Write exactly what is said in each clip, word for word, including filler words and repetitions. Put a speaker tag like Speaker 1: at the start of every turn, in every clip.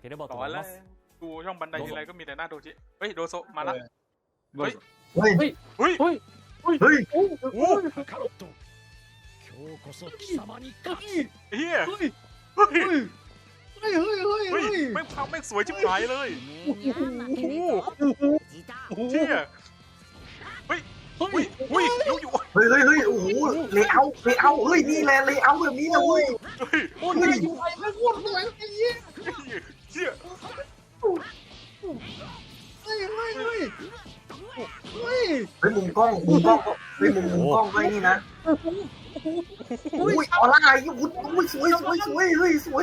Speaker 1: ければと
Speaker 2: ต่อ
Speaker 1: 思い
Speaker 2: แล้
Speaker 1: ま
Speaker 2: ว
Speaker 1: す。
Speaker 2: ดูช่องบันไดทีไรก็มีแต่หน้าโดจิเฮ้ยโดโซมาละ
Speaker 3: เฮ้ย
Speaker 4: เฮ้ย
Speaker 2: เฮ้ย
Speaker 3: เฮ้ย
Speaker 4: เฮ้ย
Speaker 3: โอ้โห
Speaker 1: カカロット、今日こそ貴様に勝つ。
Speaker 2: เฮีย
Speaker 3: เฮ้ย
Speaker 2: เฮ้ย
Speaker 3: เฮ้ยเฮ้ยเฮ้ย
Speaker 2: เฮ้
Speaker 3: เฮ้
Speaker 2: ย
Speaker 3: ย
Speaker 2: แม่งพังแม่งสวยชิบหายเลย
Speaker 3: โอ้โห
Speaker 2: โอ้โหเฮียเฮ้ย
Speaker 3: เฮ้
Speaker 2: เฮ้
Speaker 3: ย
Speaker 2: ยเฮ้ยลูกอยู่
Speaker 4: เฮ้ยเฮ้ยเฮ้ยโอ้โหเลเยอร์เลเยอร์เฮ้ยนี่แหละเลเยอร์แบบนี้นะเว้ย
Speaker 2: เฮ้ย
Speaker 3: โอ้ยอยู่ไอ้แม่งโคตรสวยไอ้เหี้ย
Speaker 2: เฮีย
Speaker 3: เฮ้ยเฮ้ยเฮ้ยเฮ้ย
Speaker 4: เฮ้ยมุมกล้องมุมกล้องก็เฮ้ยมุมมุมกล้องก็ไอ้นี่นะ
Speaker 3: โอ้ย
Speaker 4: อุ้ยออร่าไอ้ยุ้ยอุ้ยสวยสวยสวยเฮ้ยสวย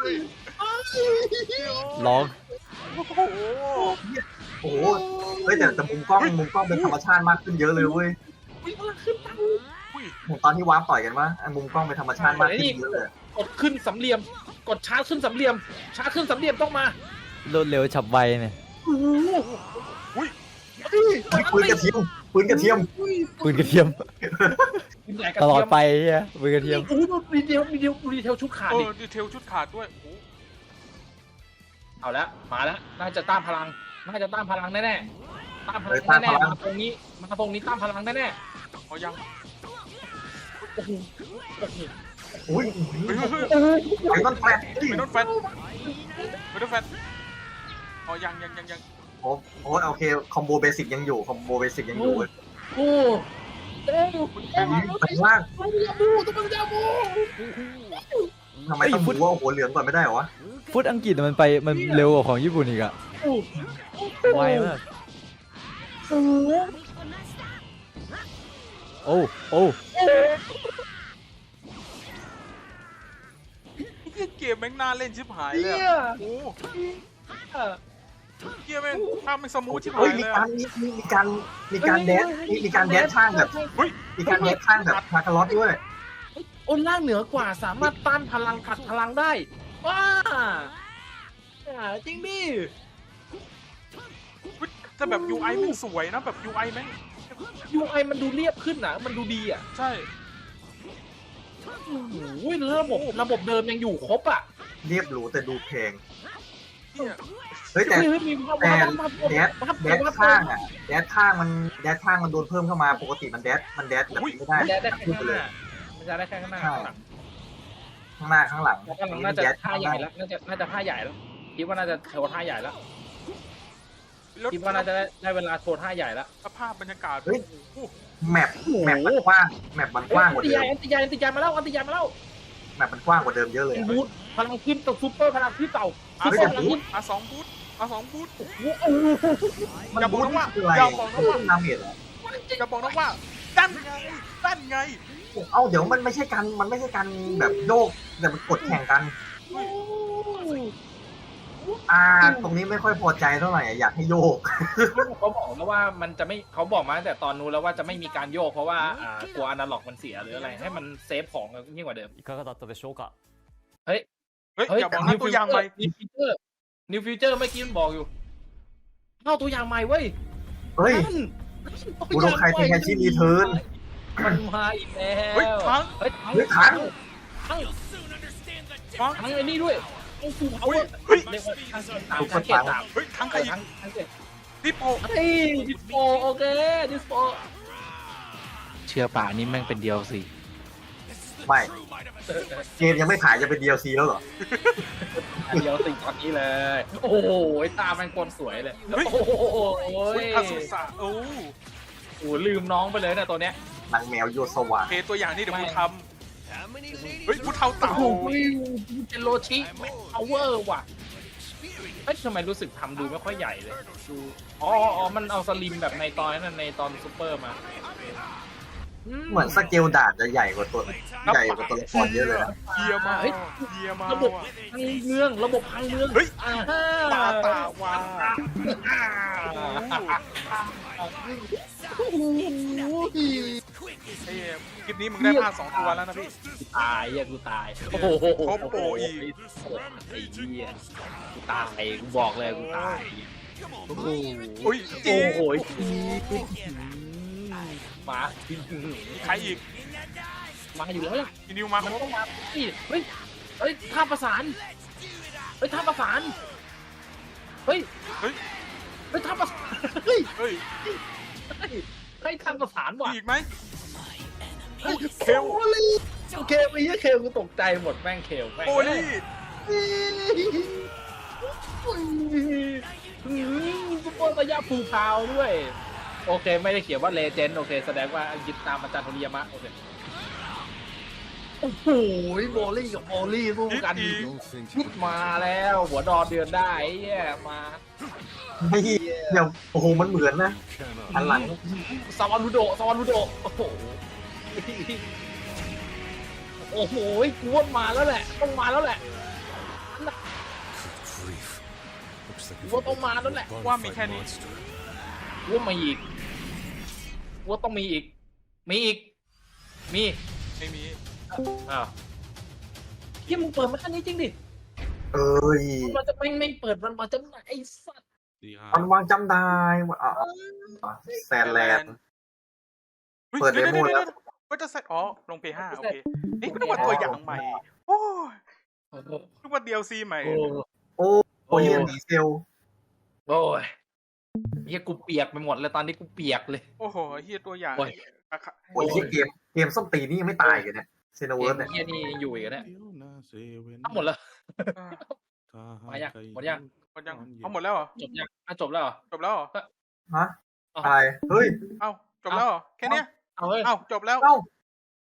Speaker 1: ร้อง
Speaker 2: โอ้โห
Speaker 4: โอ้โหเฮ้ยแต่แต่มุมกล้องมุมกล้องเป็นธรรมชาติมากขึ้นเยอะเลยเว้ย
Speaker 3: วิ่งมาขึ้นตัง
Speaker 4: ตอนที่วาร์ปต่อยกันวะไอ้มุมกล้องเป็นธรรมชาติมากขึ้นเยอะเลย
Speaker 3: กดขึ้นสามเหลี่ยม กดชาร์จขึ้นสามเหลี่ยม ชาร์จขึ้นสามเหลี่ยมต้องมาร
Speaker 1: วดเร็วฉับไวเนี่ย
Speaker 3: โอ้โห
Speaker 2: อุ้ย
Speaker 3: เฮ้ย
Speaker 4: ปืนกระเทียมปืนกระเทียม
Speaker 1: ปืนกระเทียม
Speaker 3: ปืนใหญ่กระ
Speaker 1: ตลอ
Speaker 3: เที
Speaker 1: ด
Speaker 3: ยม
Speaker 1: ไปเฮียปืนกระเทียม
Speaker 3: โอ้โหดูดีเทลดีเทลดีเทลชุดขาด
Speaker 2: เอ
Speaker 3: ดิ
Speaker 2: อดีเทลชุดขาดด้วยโอ้
Speaker 3: เอาละมาแล้วน่าจะต้านพลัง น่าจะต้านพลังแน่ๆต้านพลังแน่ๆมาตรงนี้ มาตรงนี้ต้านพลังแน่
Speaker 2: เอายัง
Speaker 3: ๆโอ้โหโอ้โห
Speaker 4: อุ้ย
Speaker 2: เฮ้ยเฮ้ยเฮ้ย
Speaker 3: โอ้โห
Speaker 4: ไอ้ต้นแฟลช
Speaker 2: ไม่โดนแฟนไม่โดนแฟนเอายังยังยังยัง
Speaker 4: โอ้โหโอเคคอมโบเบสิกยังอยู่คอมโบเบสิกยังอยู่เว้ย
Speaker 3: โอ้โหเอ้ยเอ้ย
Speaker 4: ไปล่าง
Speaker 3: ต้องยาบูต้องยาบู
Speaker 4: ทำไมต้องดูว่าหัวเหลืองก่อนไม่ได้เหรอวะ
Speaker 1: ฟุตอังกฤษมันไปมันเร็วกว่าของญี่ปุ่นอีกอะ
Speaker 3: โอ้โห
Speaker 1: ไวมาก
Speaker 3: โอ้โห
Speaker 1: โอ้โอ้
Speaker 2: เฮียเกมแม่งน่าเล่นชิบหายเลย
Speaker 3: เหี้ย
Speaker 2: อะโอ้
Speaker 3: เอ่อ
Speaker 2: เฮียแม่งภาพแม่งสมูทชิบหา
Speaker 4: เฮ้ย
Speaker 2: ย
Speaker 4: มี
Speaker 2: เลย
Speaker 4: การมีมีมีการมีการแดนมีมีการแดนข้างแบบ
Speaker 2: เฮ้ย
Speaker 4: มีการแดนข้างแบบคาคาร์ลอสด้วย
Speaker 3: โอนล่างเหนือกว่าสามารถต้านพลังขัดพลังได้ว้าอ่าจริงดิ
Speaker 2: แต่แบบ ยู ไอ แม่งสวยนะแบบ ยู ไอ แม่ง
Speaker 3: ยูไอมันดูเรียบขึ้นนะมันดูดีอ่ะ
Speaker 2: ใช่
Speaker 3: โอ้ยระบบระบบเดิมยังอยู่ครบอ่ะ
Speaker 4: เรียบหรูแต่ดูแพง
Speaker 2: เฮีย
Speaker 4: เฮ้ยแต่
Speaker 3: เฮ้ยมีภาพ
Speaker 4: แต่
Speaker 3: ภาพ
Speaker 4: แดด
Speaker 3: ภาพ
Speaker 4: แดดข้างอ่ะแดดข้างมันแดดข้างมันโดนเพิ่มเข้ามาปกติมันแดดมันแดดแบบนี้ไม่ได้
Speaker 3: แดดได้แค่ข้างหน้ามันจะได้แค่ข้างหน้าข้างหลัง
Speaker 4: ข้างหน้าข้างหลัง
Speaker 3: ข้างหลังน่าจะท่าใหญ่แล้วน่าจะน่าจะท่าใหญ่แล้วคิดว่าน่าจะโชว์ท่าใหญ่แล้ว
Speaker 2: แล้ว
Speaker 3: คิดว่าน่าจะได้ได้เวลาโชว์ท่าใหญ่แล้ว
Speaker 2: สภาพบรรยากาศ
Speaker 4: เฮ้ย
Speaker 2: โอ้โห
Speaker 4: แมปแมปมันกว้างแมปมันกว้างก
Speaker 3: อั
Speaker 4: ว่าน
Speaker 3: ติ
Speaker 4: เดิ
Speaker 3: ยาม อันติยาอันติยามาแล้วอันติยามาแล้ว
Speaker 4: แมปมันกว้างกว่าเดิมเยอะเลย
Speaker 3: เป็น
Speaker 4: อะ
Speaker 3: บูทพลังขึ้นตัวซูเปอร์พลังขึ้นเต่า
Speaker 2: อา
Speaker 3: ซู
Speaker 2: ส
Speaker 3: เปอ
Speaker 2: อง
Speaker 3: ร์พลัง
Speaker 2: บู
Speaker 3: ขึ้
Speaker 2: ท
Speaker 3: น
Speaker 2: อาสองบูทอาสองบูท
Speaker 3: โอ้โห
Speaker 4: มัน
Speaker 2: อย่าบอก
Speaker 4: บูท
Speaker 2: นะว่า
Speaker 4: คืออะไร
Speaker 2: อย่าบอกนะว่า
Speaker 4: ดาเมจเหรอ
Speaker 2: จะบอกนะว่าดันไงดันไง
Speaker 4: เอาเดี๋ยวมันไม่ใช่การมันไม่ใช่การแบบโยกแต่มันกดแข่งกัน อ่า ตรงนี้ไม่ค่อยพอใจเท่าไหร่อะอยากให้โยก
Speaker 3: เขาบอกแล้วว่ามันจะไม่เขาบอกมาตั้งแต่ตอนนู้นแล้วว่าจะไม่มีการโยกเพราะว่าอ่ากลัวอนาล็อกมันเสียหรืออะไรให้มันเซฟของยิ่งกว่าเดิม
Speaker 1: いかがだったでしょうか。
Speaker 2: เฮ้ยอย่าบอกนะตัวอย่างใหม่
Speaker 3: นิวฟิวเจอร์นิวฟิวเจอร์เมื่อกี้มันบอกอยู่เข้าตัวอย่างใหม่เว้ย
Speaker 4: เฮ้ย กูโดนใครเป็นไงที่รีเทิร์น
Speaker 3: มันมาอีกแล้ว
Speaker 2: เฮ้ยทั้ง
Speaker 3: เฮ้ยทั้ง
Speaker 4: เฮ้ยถัง
Speaker 3: ทั้ง
Speaker 2: ฟัง
Speaker 3: ทั้งไอ้นี่ด้วยไอ้สูเขา
Speaker 2: เฮ้ยเฮ้ย
Speaker 3: เรียกว่าทั้งสามทั้งเกตสาม
Speaker 2: เฮ้ยทั้งใครอีก
Speaker 3: ทั้งทั้งเกต
Speaker 2: ดิโป
Speaker 3: เฮ้ยดิสโปโอเคดิสโปเชื่อป่านี่แม่งเป็นเดียวสิ
Speaker 4: ไม่ เกมยังไม่ขายจะเป็น ดี แอล ซี แล้วเหรอ
Speaker 3: เดียวสิตอนนี้เลย โอ้โหตามันกลสวยเลยโอ้โห
Speaker 2: เฮ้ยอาสุสะโอ้
Speaker 3: โอ้ลืมน้องไปเลยนะตัวเนี้ย
Speaker 4: นางแมวโยสวา
Speaker 2: เคตัวอย่างนี่เดี๋ยวกูทำเฮ้ยกูเทาเต่า
Speaker 3: โอ้โหเป็นโรชิแม็กพาวเวอร์ว่ะเฮ้ยทำไมรู้สึกทำดูไม่ค่อยใหญ่เลยดูอ๋ออ๋อมันเอาสลิมแบบในตอนนั้นในตอนซูเปอร์มา
Speaker 4: เหมือนสเกลดาบจะใหญ่กว่าตัวใหญ่กว่าตัวละครเยอะเลยนะ
Speaker 2: เฮียมาเฮียมา
Speaker 3: ระบบพังเมืองระบบพังเมือง
Speaker 2: เฮ้ย
Speaker 3: อ่า
Speaker 2: ปาตาวา
Speaker 3: โอ้โห
Speaker 2: ไอ้คลิปนี้มึงได้ภาคสองตัวแล้วนะพี่
Speaker 3: ตายอ่ะกูตายโอ้โห
Speaker 2: ครบโปรอีก
Speaker 3: ไอ้เหี้ยกูตายกูบอกเลยกูตายโอ้โห
Speaker 2: อุ้ยจี
Speaker 3: โอ้โหมา
Speaker 2: ใครอีก
Speaker 3: มาอยู่แล้วล่ะ
Speaker 2: อีนิวมาค
Speaker 3: มัน
Speaker 2: รบ
Speaker 3: ต้องมาเฮ้ยเฮ้ยเฮ้ยท่าประสานเฮ้ยท่าประสานเฮ้ย
Speaker 2: เฮ้ย
Speaker 3: เฮ้ยทำประสานเฮ้ย
Speaker 2: เฮ้ย
Speaker 3: เฮ้ยเฮ้ยทำประสานว่ะ
Speaker 2: มีอีกไหม
Speaker 3: เฮ้ยเคลโอเคไปเหี้ยเคลกูตกใจหมดแม่งเคลแม่ง
Speaker 2: โอลี่
Speaker 3: ซุปเปอร์ระยะภูพาวด้วย โอเคไม่ได้เขียนว่าเลเจนด์โอเคแสดงว่ายึดตามอาจารย์โทริยามะโอเคโอ้โหโบลี่กับโบลี่สู้กัน
Speaker 1: Don't think
Speaker 3: พิดมาแล้วหัวดอนเดือนได้ไอ้เหี้ยมา
Speaker 4: ไม่เดี๋ยวโอ้โหมันเหมือนนะ
Speaker 1: cannot
Speaker 4: อันหลัง
Speaker 3: ซาวารุโดะซาวารุโดะโอ้โหโอ้โหกูว่ามาแล้วแหละต้องมาแล้วแหละ
Speaker 1: grief. Looks like
Speaker 3: Whatต้องมาแล้วแหละ
Speaker 2: ว่ามีแค่นี้
Speaker 3: กูว่ามีอีกกูว่าต้องมีอีก มีอีก มี
Speaker 2: ไม่มี
Speaker 3: อ้าวเฮียมึงเปิดมาแค่นี้จริงดิ
Speaker 4: เอ้ย
Speaker 3: มันจะไม่ไม่เปิดมันมาจำหน่ายไอ้สัตว์
Speaker 4: มันวางจำได้ว่าอ่ะอ่ะแซนแลนด์ เปิดเดโมแล้ว
Speaker 2: ก็จะใส่อ๋อลงเพย์ห้าโอเคนี่ก็นึกว่าตัวอย่างใหม่โอ้ยนึกว่า ดี แอล ซี ใหม่
Speaker 3: โอ้
Speaker 4: โอ้โอ้ยดีเซล
Speaker 3: โอ้ยเฮียกูเปียกไปหมดเลยตอนนี้กูเปียกเลย
Speaker 2: โอ้โหเฮียตัวอย่าง
Speaker 3: โอ้ย
Speaker 2: อะค่ะ
Speaker 4: โอ้ยที่เกมเกมส้มตีนี่ยังไม่ตายกันเนี่ยเซนเวิร์สเนี่ย
Speaker 3: เฮียนี่อยู่อีกเนี่ย
Speaker 5: ทั้
Speaker 3: ทั้งหมดแล้ว
Speaker 2: อ่า
Speaker 3: มายังหมดยัง
Speaker 2: หมดยังเอาหมดแล้วเหรอ
Speaker 3: จบยังอ่ะจบแล้วเหรอ
Speaker 2: จบแล้วเหรอ
Speaker 4: ฮะอะไรเฮ้ย
Speaker 2: เอ้าจบแล้วเหรอแค่เนี้ย
Speaker 3: เอาเฮ้ย
Speaker 2: เอ้าจบแล้ว
Speaker 4: เอ้า